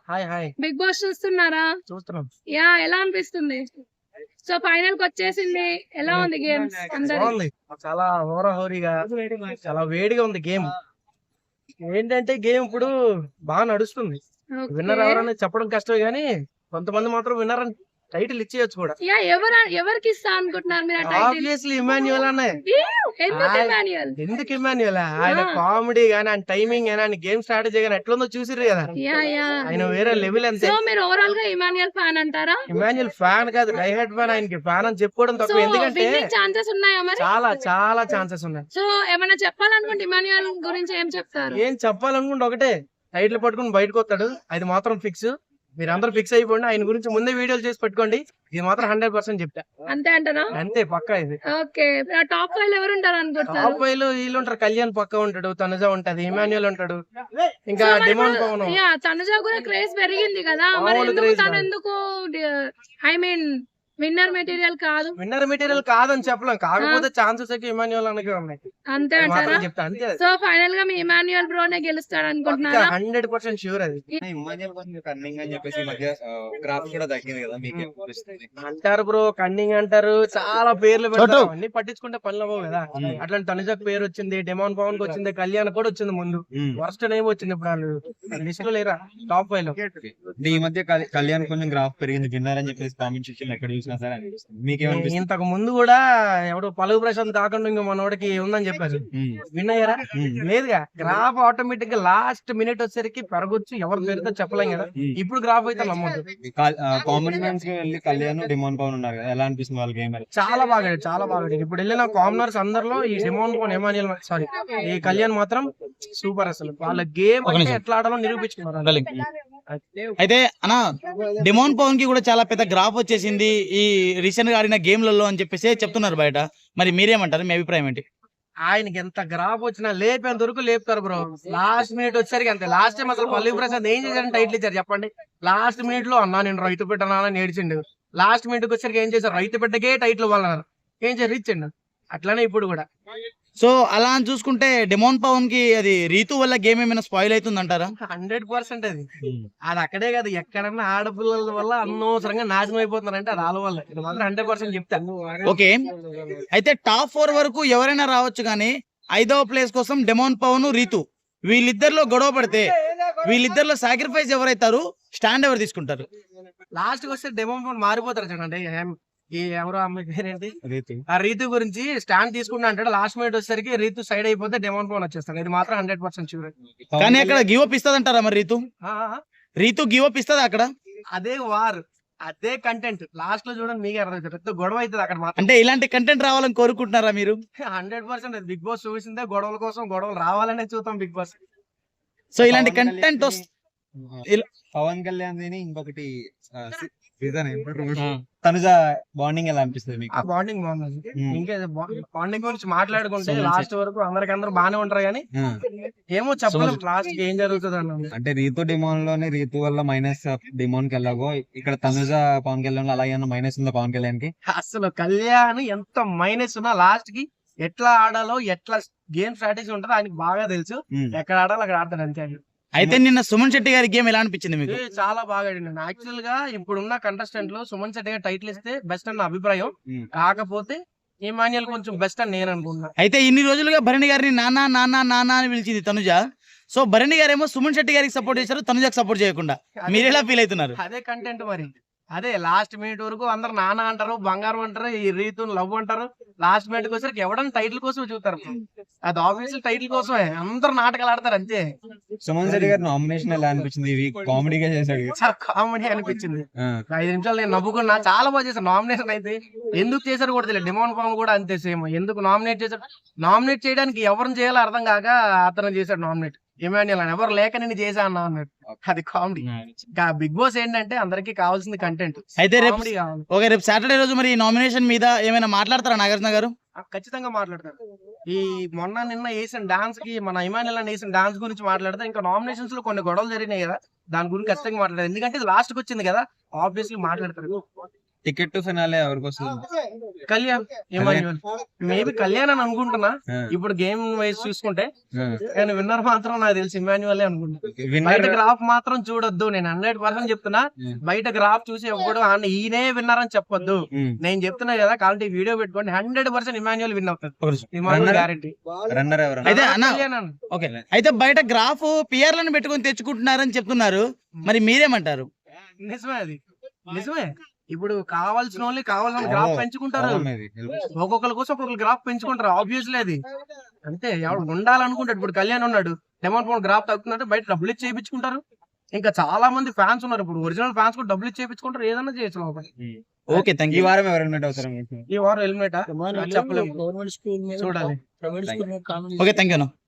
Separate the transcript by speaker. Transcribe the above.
Speaker 1: Hi hi
Speaker 2: big boss చూస్తున్నారా?
Speaker 1: చూస్తున్నాం.
Speaker 2: ఎలా అనిపిస్తుంది? సో ఫైనల్ కి వచ్చేసింది. ఎలా ఉంది గేమ్స్ అందరి?
Speaker 1: బాగుంది. చాలా హోరాహోరీగా చాలా వేడిగా ఉంది గేమ్. ఏంటంటే గేమ్ ఇప్పుడు బాగా నడుస్తుంది. విన్నర్ ఎవరని చెప్పడం కష్టమే గానీ కొంతమంది మాత్రం విన్నర్ అని టైటిల్ ఇచ్చేయచ్చు కూడా.
Speaker 2: ఎవరికి ఇస్తా అనుకుంటున్నారు మీరు ఆ టైటిల్?
Speaker 1: ఆబ్వియస్లీ ఇమాన్యుయల్ అనే.
Speaker 2: ఎందుకు ఇమాన్యుయల్?
Speaker 1: ఎందుకు ఇమాన్యుయల్? ఆయన కామెడీ గానీ, ఆయన టైమింగ్ గానీ, ఆయన గేమ్ స్ట్రాటజీ గానీ ఎట్లుందో చూసిర్రు కదా. ఆయన వేరే లెవెల్ అంతే.
Speaker 2: సో మీరు ఓవరాల్ గా ఇమాన్యుయల్ ఫ్యాన్ అంటారా?
Speaker 1: ఇమాన్యుయల్ ఫ్యాన్ కాదు, డై హార్డ్ ఫ్యాన్. ఆయనకి ఫ్యాన్ అని చెప్పుకోవడం తక్కువ. ఎందుకంటే
Speaker 2: ఛాన్సెస్ ఉన్నాయా మరి?
Speaker 1: చాలా చాలా ఛాన్సెస్ ఉన్నాయి.
Speaker 2: సో ఏమైనా చెప్పాలనుకుంటే ఇమాన్యుయల్ గురించి ఏం చెప్తారు?
Speaker 1: ఏం చెప్పాలనుకుంటే ఒకటే, టైటిల్ పట్టుకుని బయటకు వస్తాడు. అది మాత్రం ఫిక్స్. మీరందరూ ఫిక్స్ అయిపోండి. ఆయన గురించి ముందే వీడియోలు చేసి పెట్టుకోండి. ఇది మాత్రం 100% చెప్తా.
Speaker 2: అంతే అంటారా?
Speaker 1: అంతే, పక్కా ఇది.
Speaker 2: ఓకే, టాప్ 5 ఎవరు ఉంటారు అనుకుంటారు?
Speaker 1: టాప్ 5 లో వీళ్ళు ఉంటారు. కళ్యాణ్ పక్కా ఉంటాడు, తనుజ ఉంటది, ఇమాన్యుయల్ ఉంటాడు, ఇంకా డిమాండ్ పవన్.
Speaker 2: తనుజ కూడా క్రేజ్ పెరిగింది కదా, మరి తను ఎందుకు ఐ మీన్ విన్నర్ మెటీరియల్ కాదు?
Speaker 1: విన్నర్ మెటీరియల్ కాదని చెప్పలేం, కాకపోతే ఛాన్సెస్ అయితే ఇమాన్యుయల్ అనకే ఉన్నాయి.
Speaker 2: అంతే అంటారా?
Speaker 1: చెప్తా అంతే.
Speaker 2: సో ఫైనల్ గా మీ ఇమాన్యుయల్ బ్రోనే గెలుస్తాడు అనుకుంటున్నారా?
Speaker 1: 100% షూర్ అది.
Speaker 3: ఇమాన్యుయల్ కొంచెం కన్నింగ్ అని చెప్పేసి మధ్య గ్రాఫ్ కూడా తగ్గింది కదా, మీకు
Speaker 1: అంటారు బ్రో, కన్నింగ్ అంటారు, చాలా పేర్లు పెడతారు. అన్ని పట్టించుకుంటే పనులు అవ్వవు కదా. అట్లాంటి తనుజకు పేరు వచ్చింది, డిమాండ్ పవన్ కి వచ్చింది, కళ్యాణ్ కూడా వచ్చింది ముందు. వర్స్ట్ నేమ్ వచ్చింది. ఇప్పుడు వాళ్ళు లిస్ట్ లో లేరా టాప్ 5 లో.
Speaker 3: ఈ మధ్య కళ్యాణ్ కొంచెం గ్రాఫ్ పెరిగింది, విన్నర్ అని చెప్పేసి కామెంట్స్ ఇచ్చింది, ఎక్కడ చూసినా సరే అనిపిస్తుంది. మీకేమనిపిస్తుంది?
Speaker 1: ఇంతకు ముందు కూడా ఎవడు పలుగు ప్రశాంత్ కాకుండా ఇంకా మనోడికి ఉందని చెప్పారు. విన్ అయ్యారా? లేదుగా. గ్రాఫ్ ఆటోమేటిక్ గా లాస్ట్ మినిట్ వచ్చేసరికి పెరగొచ్చు, ఎవరు పెరుగుతో చెప్పలేం కదా. ఇప్పుడు గ్రాఫ్ అయితే నమ్మదు.
Speaker 3: కామన్ మ్యాన్స్ కి వెళ్ళి కళ్యాణ్ డిమాండ్ పవన్ ఉన్నారు కదా, ఎలా అనిపిస్తుంది వాళ్ళ గేమ్?
Speaker 1: చాలా బాగా చాలా బాగా. ఇప్పుడు వెళ్ళిన కామనర్స్ అందరిలో ఈ డిమాండ్ పవన్, ఎమాన్యుయల్, సారీ ఈ కళ్యాణ్ మాత్రం సూపర్. అసలు వాళ్ళ గేమ్ అంటే ఎట్లా ఆడాలో నిరూపించుకున్నారు.
Speaker 4: అయితే అన్న, డిమాండ్ పవన్ కి కూడా చాలా పెద్ద గ్రాఫ్ వచ్చేసింది ఈ రీసెంట్ గా ఆడిన గేమ్లలో అని చెప్పేసి చెప్తున్నారు బయట. మరి మీరేమంటారు? మీ అభిప్రాయం ఏంటి?
Speaker 1: ఆయనకి ఎంత గ్రాఫ్ వచ్చినా లేపేంత వరకు లేపుతారు బ్రో. లాస్ట్ మినిట్ వచ్చేసరికి అంతే. లాస్ట్ టైం అసలు పల్లవి ప్రసాద్ ఏం చేశారని టైటిల్ ఇచ్చారు చెప్పండి. లాస్ట్ మినిట్ లో అన్నా నేను రైతు పెట్టనాలని ఏడ్చిండు. లాస్ట్ మినిట్ వచ్చేసరికి ఏం చేశారు? రైతు పెట్టకే టైటిల్ వాళ్ళన్నారు. ఏం చేశారు? ఇచ్చిండు. అట్లానే ఇప్పుడు కూడా.
Speaker 4: సో అలా అని చూసుకుంటే డిమాండ్ పవన్ కి అది రీతు వల్ల గేమ్ ఏమైనా స్పాయిల్ అవుతుంది అంటారా?
Speaker 1: 100% అది. అది అక్కడే కాదు, ఎక్కడన్నా ఆడపిల్లల వల్ల అనవసరంగా నాశనం అయిపోతున్నారంటే అది వాళ్ళ వల్ల. ఇది మాత్రం 100% చెప్తాను.
Speaker 4: ఓకే, అయితే టాప్ 4 వరకు ఎవరైనా రావచ్చు, కానీ 5వ ప్లేస్ కోసం డిమాండ్ పవన్, రీతు వీళ్ళిద్దరిలో గొడవ పడితే వీళ్ళిద్దరిలో సాక్రిఫైస్ ఎవరైతారు, స్టాండ్ ఎవరు తీసుకుంటారు?
Speaker 1: లాస్ట్ కి వస్తే డెమో మారిపోతారు చూడండి. ఈ ఎవరో అమ్మాయి పేరేంటి, ఆ రీతు గురించి స్టాండ్ తీసుకుంటా అంటాడు. లాస్ట్ మినిట్ వచ్చేసరికి రీతు సైడ్ అయిపోతే డిమాండ్ పవన్ వచ్చేస్తాడు. ఇది మాత్రం 100% షూర్.
Speaker 4: కానీ అక్కడ గివ్ అప్ ఇస్తుంది అంటారా మరి? రీతు గివ్ అప్ ఇస్తుంది అక్కడ?
Speaker 1: అదే వార్, అదే కంటెంట్. లాస్ట్ లో చూడండి మీకే అర్థం, పెద్ద గొడవ అవుతుంది అక్కడ మాత్రం.
Speaker 4: అంటే ఇలాంటి కంటెంట్ రావాలని కోరుకుంటున్నారా మీరు?
Speaker 1: 100% బిగ్ బాస్ చూసిందే గొడవల కోసం. గొడవలు రావాలనే చూద్దాం బిగ్ బాస్.
Speaker 4: సో ఇలాంటి కంటెంట్
Speaker 3: పవన్ కళ్యాణ్ ఇంకొకటి తనుజ బాండింగ్ ఎలా అనిపిస్తుంది మీకు?
Speaker 1: ఆ బాండింగ్ బాగుంది. ఇంకా బాండింగ్ గురించి మాట్లాడుకుంటే లాస్ట్ వరకు అందరికందరూ బానే ఉంటారు, కానీ ఏమో చెప్పలేం లాస్ట్ ఏం జరుగుతుంది అన్నది.
Speaker 3: అంటే రీతు డిమాండ్ లోనే రీతు వల్ల మైనస్ డిమాండ్ కి ఎలాగో, ఇక్కడ తనుజ పవన్ కళ్యాణ్ అలాగే మైనస్ ఉందా పవన్ కళ్యాణ్ కి?
Speaker 1: అసలు కళ్యాణ్ ఎంత మైనస్ ఉన్నా లాస్ట్ కి ఎట్లా ఆడాలో, ఎట్లా గేమ్ స్ట్రాటజీ ఉంటుందో ఆయనకి బాగా తెలుసు. ఎక్కడ ఆడాలో అక్కడ ఆడతాడు అంతే.
Speaker 4: అయితే నిన్న సుమన్ శెట్టి గారి గేమ్ ఎలా అనిపించింది మీకు?
Speaker 1: చాలా బాగా ఆడిండు. యాక్చువల్ గా ఇప్పుడున్న కంటెస్టెంట్ లో సుమన్ శెట్టి గారు టైటిల్ ఇస్తే బెస్ట్ అన్న అభిప్రాయం. కాకపోతే ఇమాన్యుయల్ కొంచెం బెస్ట్ అని నేను అనుకుంటున్నా.
Speaker 4: అయితే ఇన్ని రోజులుగా భరణి గారిని నానా నానా నానా అని పిలిచింది తనుజ. సో భరణి గారేమో సుమన్ శెట్టి గారికి సపోర్ట్ చేశారు, తనుజకి సపోర్ట్ చేయకుండా. మీరు ఎలా ఫీల్ అవుతున్నారు?
Speaker 1: అదే కంటెంట్ మరి. అదే లాస్ట్ మినిట్ వరకు అందరు నాన్న అంటారు, బంగారం అంటారు, ఈ రీతుని లవ్ అంటారు. లాస్ట్ మినిట్ వచ్చేసరికి ఎవడన్నా టైటిల్ కోసం చూస్తారు. అది ఆబ్వియస్లీ టైటిల్ కోసమే అందరు నాటకాలు ఆడతారు అంతే.
Speaker 3: సుమన్ శెట్టి గారి నామినేషన్ ఎలా అనిపించింది? కామెడీగా చేశాడు,
Speaker 1: చాలా కామెడీ అనిపించింది. 5 నిమిషాలు నేను నవ్వుకున్నా. చాలా బాగా చేశారు. నామినేషన్ అయితే ఎందుకు చేశారు కూడా తెలియదు. డిమాండ్ పవన్ కూడా అంతే సేమ్. ఎందుకు నామినేట్ చేశారు? నామినేట్ చేయడానికి ఎవరిని చేయాలో అర్థం కాక అతను చేశాడు నామినేట్. ఇమాన్యుయల్ అని ఎవరు లేక నేను చేశా అన్నా అన్నాడు. అది కామెడీ. బిగ్ బాస్ ఏంటంటే అందరికి కావాల్సింది కంటెంట్.
Speaker 4: అయితే రేపు సాటర్డే రోజు మరి నామినేషన్ మీద ఏమైనా మాట్లాడతారా నాగార్జున గారు?
Speaker 1: ఖచ్చితంగా మాట్లాడతారు. ఈ నిన్న వేసిన డాన్స్ కి, మన ఇమాన్యుయల్ అని వేసిన డాన్స్ గురించి మాట్లాడతారు. ఇంకా నామినేషన్స్ లో కొన్ని గొడవలు జరిగినాయి కదా, దాని గురించి ఖచ్చితంగా మాట్లాడతారు. ఎందుకంటే లాస్ట్ కి వచ్చింది కదా, ఆబ్వియస్లీ మాట్లాడతారు.
Speaker 3: టికెట్ టు ఫినాలే ఎవరికి వస్తుంది?
Speaker 1: కళ్యాణ్ ఇమాన్యువల్ మేబీ కళ్యాణ్ అని అనుకుంటున్నా
Speaker 3: ఆ,
Speaker 1: ఇప్పుడు గేమ్ వైజ్ చూసుకుంటే,
Speaker 3: ఆ.
Speaker 1: కానీ విన్నర్ మాత్రం నాకు తెలిసి ఇమాన్యువల్ అనుకుంటా.
Speaker 3: విన్నర్
Speaker 1: బయట గ్రాఫ్ మాత్రం చూడొద్దు, నేను 100% చెప్తున్నా. బయట గ్రాఫ్ చూసి ఎప్పుడు ఈయనే విన్నర్ అని చెప్పొద్దు. నేను చెప్తున్నా కదా, కాబట్టి వీడియో పెట్టుకోండి. 100% ఇమాన్యువల్ విన్ అవుతుంది. Emmanuel
Speaker 3: Runner?
Speaker 1: గ్యారెంటీ.
Speaker 3: రన్నర్ ఎవరు?
Speaker 4: అయితే అన్న
Speaker 1: కళ్యాణ్ అన్న.
Speaker 4: ఓకే, అయితే బయట గ్రాఫ్ పిఆర్లను పెట్టుకొని తెచ్చుకుంటున్నారని చెప్తున్నారు, మరి మీరేమంటారు?
Speaker 1: నిజమే, అది నిజమే. ఇప్పుడు కావాల్సిన వాళ్ళు కావాల్సిన గ్రాఫ్ పెంచుకుంటారు. ఒక్కొక్కరి కోసం ఒక్కొక్కరు గ్రాఫ్ పెంచుకుంటారు. ఆబ్వియస్లీ అది అంతే. ఎవడు ఉండాలనుకుంటాడు. ఇప్పుడు కళ్యాణ్ ఉన్నాడు, డెమోన్ పవన్ గ్రాఫ్ తగ్గుతున్నట్టు బయట డబ్బులు ఇచ్చి చేయించుకుంటారు. ఇంకా చాలా మంది ఫ్యాన్స్ ఉన్నారు. ఇప్పుడు ఒరిజినల్ ఫ్యాన్స్ కూడా డబ్బులు ఇచ్చి చేయించుకుంటారు. ఏదైనా చేయొచ్చు లోపల.
Speaker 4: ఓకే, థ్యాంక్
Speaker 3: ఈ
Speaker 4: యూ.
Speaker 3: వారం ఎవరు ఎలిమినేట్ అవుతారు మీకు?
Speaker 1: ఈ వారం హెల్మెట్ చెప్పలేము,
Speaker 5: గవర్నమెంట్ స్కూల్
Speaker 1: చూడాలి.
Speaker 5: Private school
Speaker 4: okay, thank you.